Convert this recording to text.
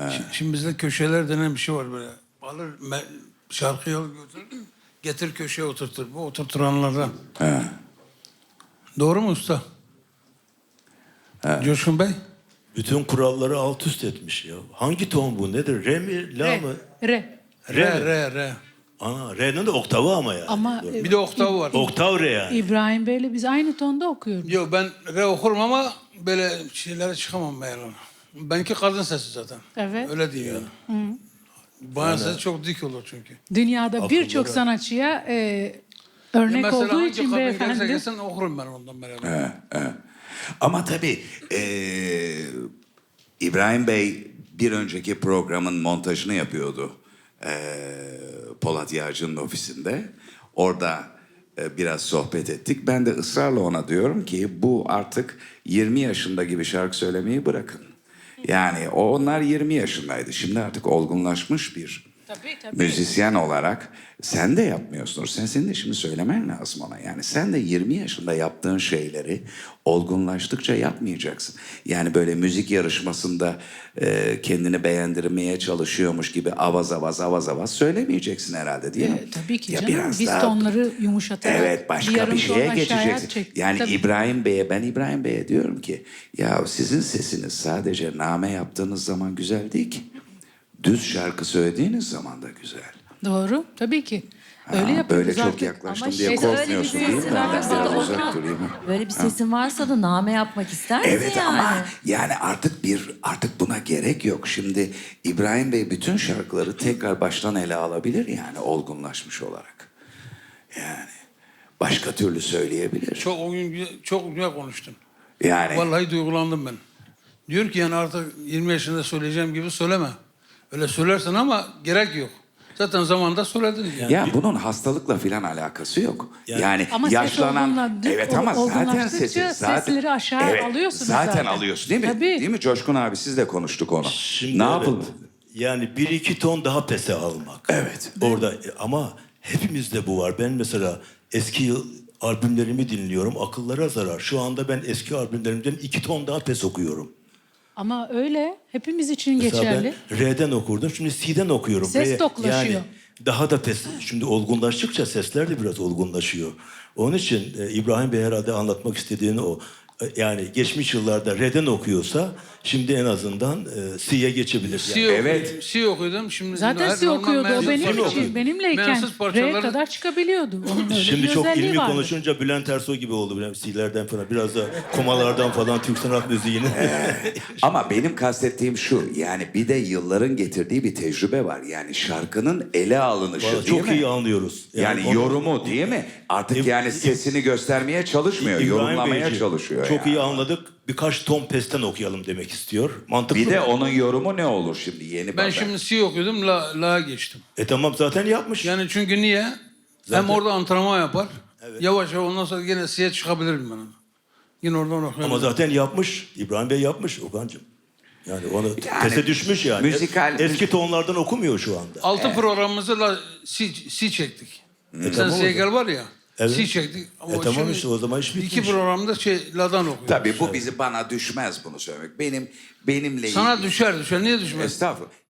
Şimdi bizde köşeler denen bir şey var böyle. Alır şarkıyı alır götürür, getir köşeye oturtur. Bu oturturanlardan. Doğru mu usta? Coşkun Bey? Bütün kuralları alt üst etmiş ya. Hangi ton bu? Nedir? Re mi? La mı? Re. Re. Ana, re'nin de oktavı ama yani. Ama Bir de oktav var. Oktav re yani. İbrahim Bey'le biz aynı tonda okuyoruz. Yok ben re okurum ama böyle şeylere çıkamam ben yani. Benimki kadın sesi zaten. Evet. Öyle değil yani. Bayan sesi çok dik olur çünkü. Dünyada birçok Akılları. sanatçıya örnek Mesela olduğu hangi için kadın beyefendi. gelirse gelsin okurum ben ondan beraber. Ama tabii İbrahim Bey bir önceki programın montajını yapıyordu. Polat Yağcı'nın ofisinde. Orada biraz sohbet ettik. Ben de ısrarla ona diyorum ki bu artık 20 yaşında gibi şarkı söylemeyi bırakın. Yani onlar 20 yaşındaydı. Şimdi artık olgunlaşmış bir Tabii. müzisyen olarak sen de yapmıyorsun. Senin de şimdi söylemen lazım ona. Yani sen de 20 yaşında yaptığın şeyleri olgunlaştıkça yapmayacaksın. Yani böyle müzik yarışmasında kendini beğendirmeye çalışıyormuş gibi avaz söylemeyeceksin herhalde değil mi? Tabii ki Ya canım. biraz Biz daha- tonları yumuşatarak Evet, başka yarım bir ton şeye aşağıya geçeceksin. çek. Yani Tabii. ben İbrahim Bey'e diyorum ki ya sizin sesiniz sadece name yaptığınız zaman güzel değil ki. Düz şarkı söylediğiniz zaman da güzel. Doğru. Tabii ki. Öyle yapıyoruz Böyle çok artık. yaklaştım Ama diye şeyde öyle bir korkmuyorsun değil mi? sesin Ben varsa biraz da uzak Okan, durayım. böyle bir sesin varsa da name yapmak ister misin Evet yani? ama yani artık buna gerek yok. Şimdi İbrahim Bey bütün şarkıları tekrar baştan ele alabilir yani olgunlaşmış olarak. Yani başka türlü söyleyebilir. Çok güzel konuştun. Yani Vallahi duygulandım ben. Diyor ki yani artık 20 yaşında söyleyeceğim gibi söyleme. Öyle söylersin ama gerek yok. Zaten zamanında söyledin. Yani. ya bunun hastalıkla filan alakası yok. Yani Ama ses yaşlanan olgunla- evet ama zaten olgunlaştıkça sesleri aşağı alıyorsunuz zaten. alıyorsun değil mi? Tabii. Değil mi Coşkun abi siz de konuştuk onu. Şimdi ne evet, yapalım? Yani bir iki ton daha pese almak. Evet. Orada ama hepimizde bu var. Ben mesela eski albümlerimi dinliyorum. Akıllara zarar. Şu anda ben eski albümlerimden 2 ton daha pes okuyorum. Ama öyle hepimiz için Mesela geçerli. ben R'den okurdum. Şimdi C'den okuyorum. Ses toklaşıyor. Yani daha da pes. Şimdi olgunlaştıkça sesler de biraz olgunlaşıyor. Onun için İbrahim Bey herhalde anlatmak istediğini o. Yani geçmiş yıllarda R'den okuyorsa şimdi en azından C'ye geçebilir. Yani. Evet. C okuyordum. Şimdi Zaten her si zaman okuyordu. O mensup benim parçaları- için, benimleyken mensup R'ye parçaları- kadar çıkabiliyordu. Onun öyle Şimdi bir çok özelliği ilmi vardı. konuşunca Bülent Ersoy gibi oldu. Böyle C'lerden falan biraz da komalardan falan Türk sanat müziğini. Ama benim kastettiğim şu yani bir de yılların getirdiği bir tecrübe var. Yani şarkının ele alınışı Vallahi değil çok mi? iyi anlıyoruz. Yani onu- yorumu değil mi? Artık yani sesini göstermeye çalışmıyor. İbrahim Yorumlamaya Beyciğim, çalışıyor. çok yani. iyi anladık. Birkaç ton pesten okuyalım demek istiyor. Mantıklı Bir de mı? onun yorumu ne olur şimdi yeni Ben baba? şimdi C okuyordum, La'ya geçtim. Tamam zaten yapmış. Yani çünkü niye? Zaten- Hem orada antrenman yapar. Yavaş yavaş ondan sonra yine C'ye çıkabilirim ben. Yine oradan okuyabilirim. Ama zaten yapmış. İbrahim Bey yapmış Okan'cığım. Yani onu Yani pese düşmüş yani. Eski tonlardan okumuyor şu anda. 6 programımızı C çektik. Sen tamam o Segal zaman. var ya. Evet. C çektik. Ama Tamam şimdi işte o zaman iş bitmiş. 2 programda La'dan okuyoruz. Tabii bu bana düşmez bunu söylemek. Benimle Sana ilgili- düşer. Niye düşmez? Estağfurullah.